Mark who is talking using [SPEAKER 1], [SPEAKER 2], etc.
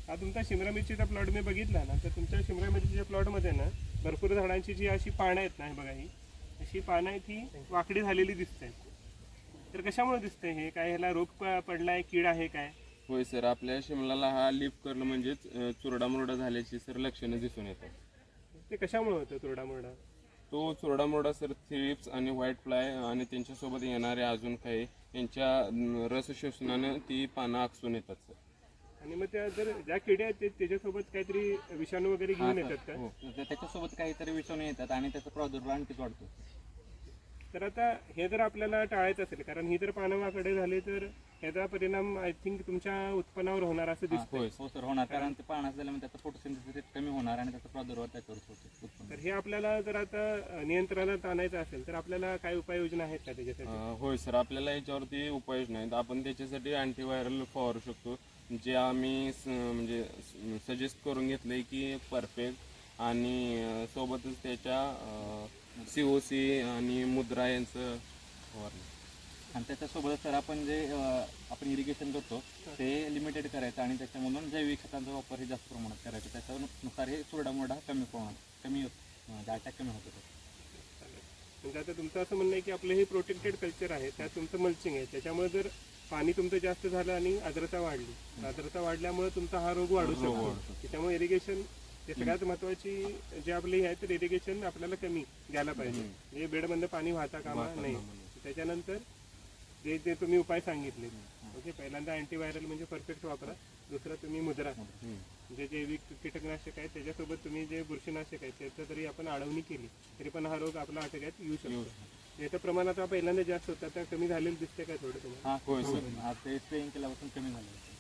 [SPEAKER 1] हा तुमचा शिमला मिरचीचा प्लॉट मी बघितला ना, तर तुमच्या शिमला मिरचीच्या प्लॉटमध्ये ना भरपूर झाडांची जी अशी पानं आहेत ना, हे बघा ही अशी पानं आहेत ही वाकडी झालेली दिसत आहेत. तर कशामुळे दिसतंय हे? काय ह्याला रोग पडलाय, कीड आहे काय?
[SPEAKER 2] होय सर, आपल्या शिमलाला हा लीफ कर्ल म्हणजेच चुरडा मुरडा झाल्याची सर लक्षणं दिसून येतात.
[SPEAKER 1] ते कशामुळे होतं तुरडा मुरडा?
[SPEAKER 2] तो चुरडा मुरडा सर थ्रिप्स आणि व्हाईट फ्लाय आणि त्यांच्यासोबत येणारे अजून काही यांच्या रस शोषणानं ती पानं आकसून येतात सर.
[SPEAKER 1] आणि मग त्या जर ज्या किड्या आहेत त्याच्यासोबत काहीतरी विषाणू वगैरे घेऊन येतात का?
[SPEAKER 2] हो.
[SPEAKER 3] त्याच्यासोबत काहीतरी विषाणू येतात आणि त्याचा प्रादुर्भाव आणखीच वाढतो.
[SPEAKER 1] तर आता हे जर आपल्याला टाळायचं असेल, कारण ही जर पानं वाकडे झाली तर ह्याचा परिणाम आय थिंक तुमच्या उत्पन्नावर होणार असं दिसतंय.
[SPEAKER 2] होय
[SPEAKER 3] हो सर, होणार. कारण ते पाण्यात झाल्यामुळे त्याचा फोटोसिंथेसिस कमी होणार आणि त्याचा प्रादुर्भाव त्याच्यावर होतो उत्पन्न.
[SPEAKER 1] तर हे आपल्याला जर आता नियंत्रणात आणायचं असेल तर आपल्याला काय उपाययोजना आहेत का त्याच्यासाठी?
[SPEAKER 2] होय सर, आपल्याला याच्यावरती उपाययोजना आहेत. आपण त्याच्यासाठी अँटीव्हायरल फवारू शकतो, जे आम्ही म्हणजे सजेस्ट करून घेतलंय की परफेक्ट आणि सोबतच त्याच्या COC आणि मुद्रा यांचं फवारणी.
[SPEAKER 3] आणि त्याच्यासोबत सर आपण जे आपण इरिगेशन करतो ते लिमिटेड करायचं आणि त्याच्यामधून जैविक खतांचा वापर हे जास्त प्रमाणात करायचा. त्याच्यानुसार हे चुरडा मुरडा कमी अटॅक कमी होतो.
[SPEAKER 1] म्हणजे आता तुमचं असं म्हणणं आहे की आपलं हे प्रोटेक्टेड कल्चर आहे, त्यात तुमचं मल्चिंग आहे, त्याच्यामुळे जर पाणी तुमचं जास्त झालं आणि आर्द्रता वाढली, आर्द्रता वाढल्यामुळे तुमचा हा रोग वाढू शकतो. त्याच्यामुळे इरिगेशन हे सगळ्यात महत्वाची जे आपली आहे, तर इरिगेशन आपल्याला कमी द्यायला पाहिजे. म्हणजे बेडमधनं पाणी वाहता कामा नाही. त्याच्यानंतर जे जे तुम्ही उपाय सांगितले, ओके, पहिल्यांदा अँटीव्हायरल म्हणजे परफेक्ट वापरा. दुसरं तुम्ही मुद्रा, जे जैविक कीटकनाशक आहे त्याच्यासोबत तुम्ही जे बुरशीनाशक आहे त्याचं जरी आपण आळवणी केली तरी पण हा रोग आपला आटोक्यात येऊ शकतो. याचं प्रमाण आता पहिल्यांदा जास्त होतं, आता कमी झालेलं दिसते काय थोडं तुम्हाला?
[SPEAKER 3] हा होय सर, ते स्प्रेइंग केल्यापासून कमी झालं.